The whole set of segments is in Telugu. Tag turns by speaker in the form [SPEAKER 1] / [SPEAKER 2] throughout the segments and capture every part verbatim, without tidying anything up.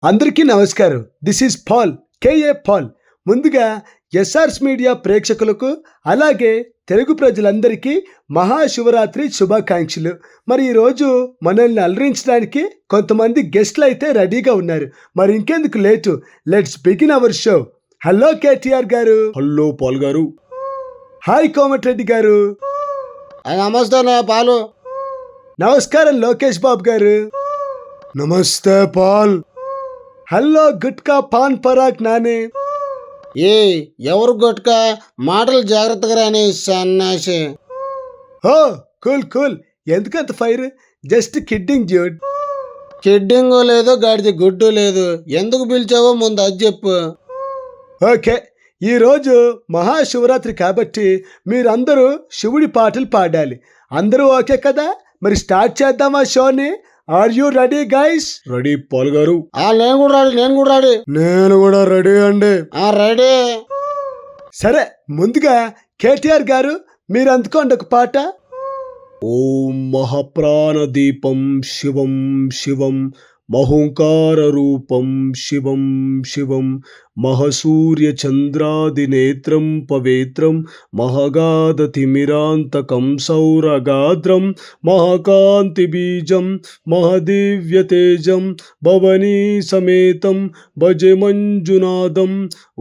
[SPEAKER 1] అందరికీ నమస్కారం. This is Paul, KA Paul. ముందుగా ఎస్ఆర్స్ మీడియా ప్రేక్షకులకు అలాగే తెలుగు ప్రజలందరికీ మహాశివరాత్రి శుభాకాంక్షలు. మరి ఈరోజు మనల్ని అలరించడానికి కొంతమంది గెస్ట్లు అయితే రెడీగా ఉన్నారు. మరి ఇంకెందుకు late, let's begin our show. Hello KTR garu.
[SPEAKER 2] Hello Paul garu.
[SPEAKER 1] Hi Komatireddy garu.
[SPEAKER 2] నమస్తే పాలు.
[SPEAKER 1] నమస్కారం లోకేష్ బాబు గారు.
[SPEAKER 2] నమస్తే పాల్.
[SPEAKER 1] హలో గుట్కా పాన్ పరాగ్ నానే.
[SPEAKER 2] ఏ ఎవరు గొట్కా, మాటలు జాగ్రత్తగా రాని సన్నాసి.
[SPEAKER 1] ఓ కూల్ కూల్, ఎందుకంత fire? Just kidding dude.
[SPEAKER 2] Kidding లేదు, గాడిది గుడ్డు లేదు. ఎందుకు పిలిచావో ముందు అది చెప్పు.
[SPEAKER 1] ఓకే, ఈరోజు మహాశివరాత్రి కాబట్టి మీరందరూ శివుడి పాటలు పాడాలి. అందరూ ఓకే కదా? మరి స్టార్ట్ చేద్దామా షోని? Are you ready guys?
[SPEAKER 2] Ready Paul garu. ఆ నేను కూడా రెడీ, నేను కూడా రెడీ.
[SPEAKER 1] నేను కూడా రెడీ అండి.
[SPEAKER 2] ఆ రెడీ.
[SPEAKER 1] సరే, ముందుగా కేటీఆర్ గారు మీరు అందుకోండి ఒక పాట.
[SPEAKER 2] ఓం మహాప్రాణ దీపం శివం శివం మహోంకార రూపం శివం శివం మహసూర్య చంద్రాదినేత్రం పవిత్రం మహగాధతిమిరాంతకం సౌరగాద్రం మహాకాంతి బీజం మహదివ్యతేజం భవనీ సమేతం భజే మంజునాథం.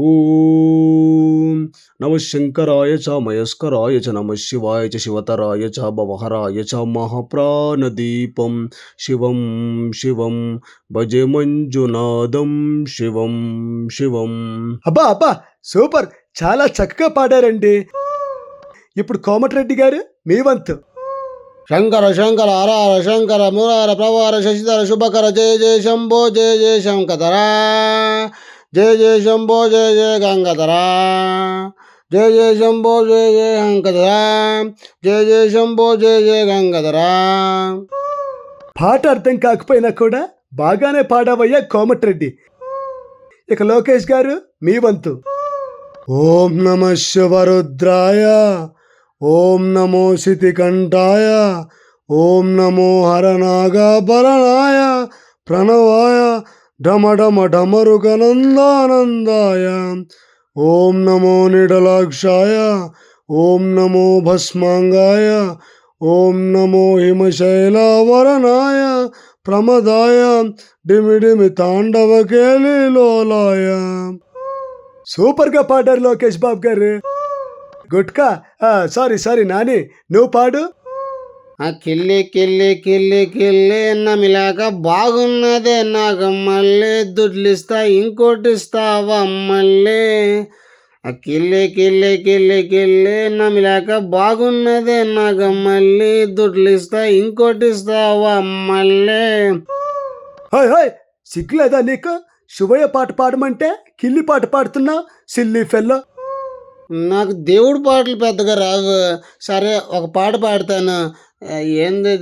[SPEAKER 2] ఓం నమ శంకరాయ చ మయస్కరాయ చ నమ శివాయ చ శివతరాయ చ భవహరాయ చ మహాప్రాణదీపం శివం శివం భజే మంజునాథం శివం శివం.
[SPEAKER 1] అబ్బా అబ్బా సూపర్, చాలా చక్కగా పాడారండి. ఇప్పుడు కోమటిరెడ్డి గారు మీ వంతు.
[SPEAKER 2] శంకర శంకర హర హర శంకర మురార ప్రవార శశిధర శుభకర జయ జయ శంభో జయ జయ శంకధరా జయ జయ శంభో జయ జయ గంగధరా జయ జయ శంభో జయ జయ శంకధరా జయ జయ శంభో జయ జయ గంగధరా.
[SPEAKER 1] పాట అర్థం కాకపోయినా కూడా బాగానే పాడావయ్యా కోమటిరెడ్డి. ఇక లోకేష్ గారు మీ వంతు.
[SPEAKER 2] ఓం నమ శివరుద్రాయ ఓం నమో శితికంఠాయ ఓం నమో హరనాగాభరణాయ ప్రణవాయ ఢమఢమ ఢమరుగనందానందాయ ఓం నమో నిడలాక్షాయ ఓం నమో భస్మాంగాయ ఓం నమో హిమశైలావరణాయ ప్రమదాయ డిమిడిమి తాండవ కేళిలోలాయ.
[SPEAKER 1] సూపర్గా పాడారు లోకేష్ బాబు గారు. గుట్కా సారీ సారీ నాని, నువ్వు పాడు.
[SPEAKER 2] ఆ కిల్లి కిల్లి కిల్లి కిల్లి నమిలాక బాగున్నదే నాకు మళ్ళీ దుడ్లిస్తా ఇంకోటి ఇస్తావా మళ్ళీ. ఆ కిల్లి కిల్లి కిల్లి కిల్లి నమిలాక బాగున్నదే నాకు మళ్ళీ దుడ్లిస్తా ఇంకోటి ఇస్తావా మళ్ళీ.
[SPEAKER 1] హాయ్ హాయ్, సిగ్గులేదా నీకు? శుభయ్య పాట పాడమంటే కిల్లి పాట పాడుతున్నావు, సిల్లీ ఫెల్లో.
[SPEAKER 2] నాకు దేవుడి పాటలు పెద్దగా రావు. సరే ఒక పాట పాడతాను. ఏంది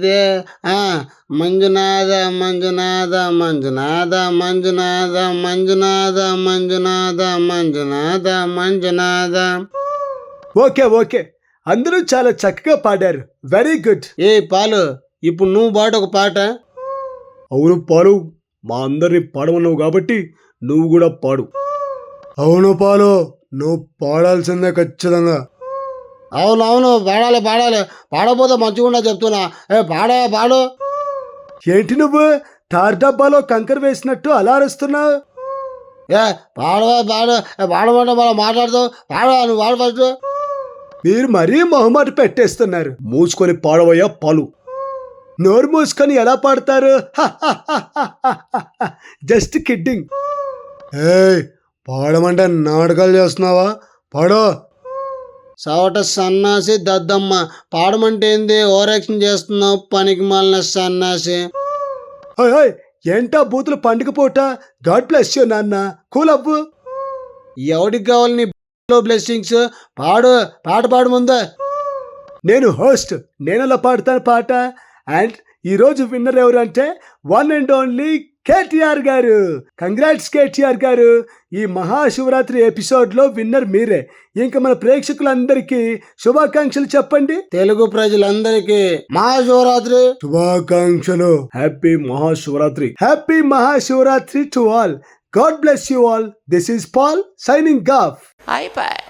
[SPEAKER 2] మంజునాథ మంజునాథ మంజునాథ మంజునాథ మంజునాథ మంజునాథ మంజునాథ మంజునాథ.
[SPEAKER 1] ఓకే ఓకే, అందరూ చాలా చక్కగా పాడారు. Very good.
[SPEAKER 2] ఏ పాలు, ఇప్పుడు నువ్వు పాడు ఒక పాట.
[SPEAKER 1] అవును పాలు, మా అందరిని పాడమన్నావు కాబట్టి నువ్వు కూడా పాడు.
[SPEAKER 2] అవును పాలు, నువ్వు పాడాల్సిందే ఖచ్చితంగా. అవును అవును పాడాలి పాడాలి, పాడపోతే మంచిగా చెప్తున్నా. ఏ పాడా పాడు.
[SPEAKER 1] ఏంటి నువ్వు తార్ డబ్బాలో కంకర వేసినట్టు అలా అరుస్తున్నావు?
[SPEAKER 2] ఏ పాడవా పాడు, పాడమంటే మళ్ళీ మాట్లాడుతావు. పాడవా, నువ్వు పాడు ఫస్ట్.
[SPEAKER 1] మీరు మరీ మొహమాట పెట్టేస్తున్నారు.
[SPEAKER 2] మూసుకొని పాడవయ్యా పాలు.
[SPEAKER 1] నోరు మూసుకొని ఎలా పాడతారు? Just kidding.
[SPEAKER 2] ఏ పాడమంటే నాటకాలు చేస్తున్నావా? పాడో. సవట సన్నాసి దద్దమ్మ, పాడమంటే ఏంది ఓవర్ యాక్షన్ చేస్తున్నావు పనికి మాలిన సన్నాసి.
[SPEAKER 1] హాయ్ హాయ్, ఏంటా బూతులు పండుగ పూట? గాడ్ బ్లెస్ యూ నాన్న, కూల్ అవ్వు.
[SPEAKER 2] ఎవడికి కావాలి నీ బ్లెస్సింగ్స్? పాడు, పాట పాడు ముందే.
[SPEAKER 1] నేను హోస్ట్, నేను అలా పాడతాను పాట. అండ్ ఈరోజు విన్నర్ ఎవరు అంటే వన్ అండ్ ఓన్లీ కేటీఆర్ గారు. కంగ్రాట్స్ కేటీఆర్ గారు. ఈ మహాశివరాత్రి ఎపిసోడ్ లో విన్నర్ మీరే. ఇంకా మన ప్రేక్షకులందరికీ శుభాకాంక్షలు చెప్పండి.
[SPEAKER 2] తెలుగు ప్రజలందరికీ మహాశివరాత్రి
[SPEAKER 1] శుభాకాంక్షలు. Happy Mahashivratri. Happy Mahashivratri to all. God bless you all. This is Paul signing off.
[SPEAKER 3] iPad.